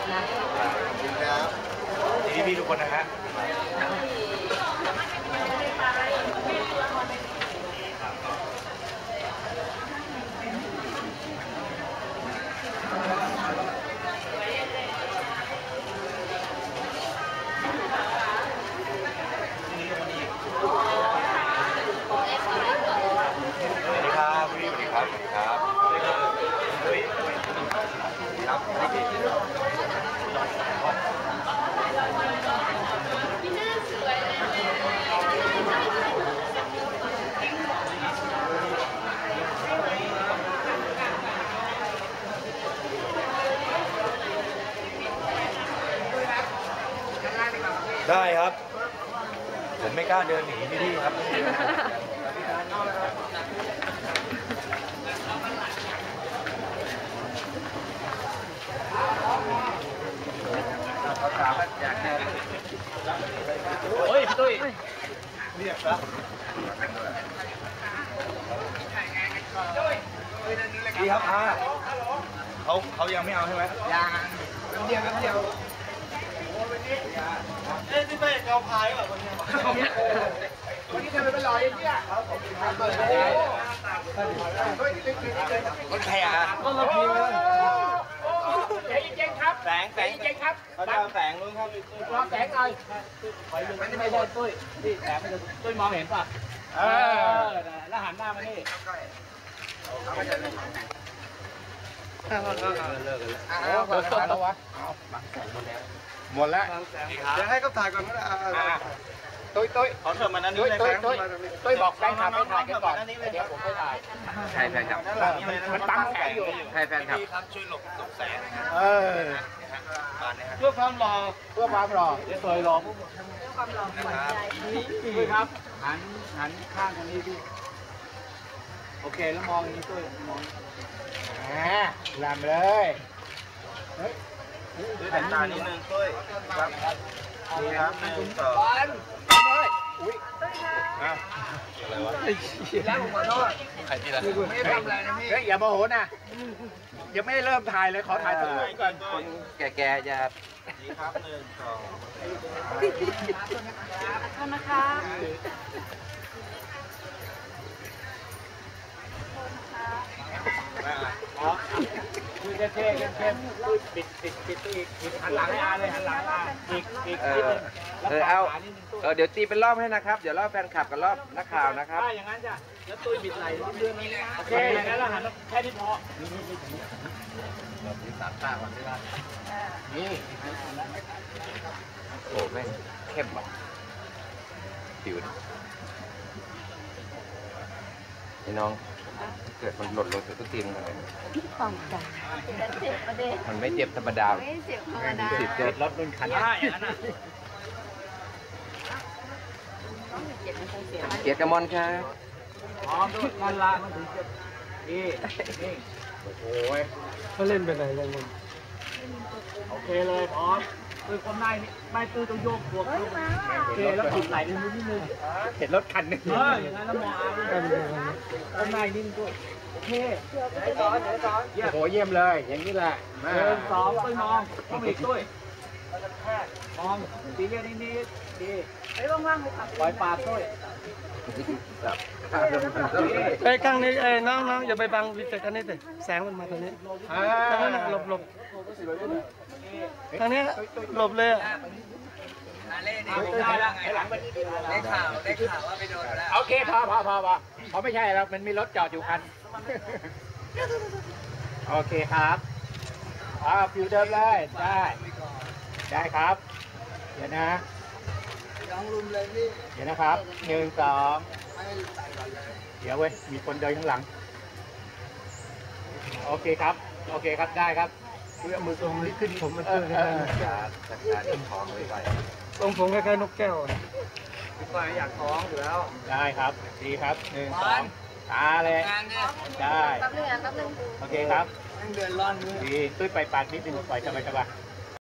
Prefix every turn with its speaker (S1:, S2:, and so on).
S1: ดีพี่ทุกคนนะฮะได้ครับผมไม่กล้าเดินหนีพี่ครับเขาถามว่าอยากจะเฮ้ยพี่ตุ้ยเรียกครับดีครับเขายังไม่เอาใช่ไหมยังน้ำเดียวเอ้ยพี่เต้เอาพายแบบวันนี้ทำไมเป็นรอยเนี่ยรถใครอ่ะก็รถพี่เลยแสงจริงครับแสงจริงครับเขาจะแสงนู้นครับรอแสงหน่อยไม่ได้ตุ้ยนี่แสงมันจะตุ้ยมองเห็นป่ะแล้วหันหน้ามานี่เลิกแล้ววะหมดแล้วเดี๋ยวให้เขาถ่ายก่อนก็ได้ตุ้ยขอเถิดมานั้นนี้เลยตุ้ยบอกแฟนคลับให้ถ่ายกันก่อนเดี๋ยวผมไปถ่ายใช่แฟนคลับมันตั้งแสงอยู่ใช่แฟนคลับช่วยหลบแสงเพื่อความหล่อเดี๋ยวตุ้ยรอเพื่อความหล่อตุ้ยครับหันข้างตรงนี้พี่โอเคแล้วมองอย่างนี้ตุ้ยมองลำเลยด้วยแต่ตานิดนึงตุ้ยครับนี่ครับ1 2อุ้ยอะไรวะแล้วผมขอโทษใครที่ละไม่ทำอะไรนะพี่อย่าโมโหนะยังไม่ได้เริ่มถ่ายเลยขอถ่ายตัวก่อนคนแก่ๆจะนี่ครับ1 2ขอบคุณนะคะคือเท่ๆเข้มๆปิดหันหลังให้อาเลยหันหลังอาอีก
S2: เอาเดี๋ยวตีเป็นรอบให้นะครับเดี๋ยวรอบแฟนคลับกับรอบนักข่าวนะครับ
S1: อย่างนั้นจ้ะแล้วตุ้ยบิดไหลเรื่องนี้โอเคอย่างนั้นเราหันแค่นี้พอนี่สามตาก่อนได้นี่
S2: โอ้แม่งเข้มว่ะผิวนี่น้องเกิดมันหล่นลงจากตู้ตีนกันเลยมันไม่เจ็บธรรมดา
S3: ไม่เจ็บธรรมดา
S2: เกิดรถรุ่นคัน
S1: อย่างนั้น
S2: เกียรติกมลครับ
S1: พร้อมด้วยกันละมันถึงจะนี่โอ้ยเขาเล่นไปไหนเลยมึงโอเคเลยพร้อมคือคนในนี่ไม่ตื้อต้องโยกตัวโอเคแล้วติดไหลนิดนึง
S2: เห็นรถคันนึง
S1: อย่างนั้นแล้วมองคนในนิดนึงด้วยโอเคโอ้โห
S2: เยี่ยมเลยอย่างนี้แหละ
S1: 1 2ตุ้ยมองต้องอีกตุ้ยมองตีเยอะนิดดีไอ้ว่างๆไปขับปล่อยปากตุ้ย
S4: ไอ้ข้างนี้น้องอย่าไปบังวิจัยกันนี่สิแสงมันมาตรงนี้ทางนั้นหลบทางนี้หลบเลย
S2: ได้ข่าวว่าไปโดนแล้ว
S1: โอเคพอเพราะไม่ใช่แล้วมันมีรถจอดอยู่คันโอเคครับฟิวเดิมเลยได้ครับเดี๋ยวนะเดี๋ยวนะครับ1 2เดี๋ยวเว้ยมีคนเดินข้างหลังโอเคครับได้ครับ
S4: เอามือตรงนี้ขึ้นผมมันเจอ
S2: การท้องไว้ไป
S4: ตรงผมคล้ายๆนกแก้ว
S1: พี่ก้อยอยากท้องอยู่แล้ว
S2: ได้ครับดีครับ1 2ตาเลยได้โอเคครับ
S1: เดือนร้อน
S2: ดีตุ้ยไปปากนิดนึงปล่อยสบาย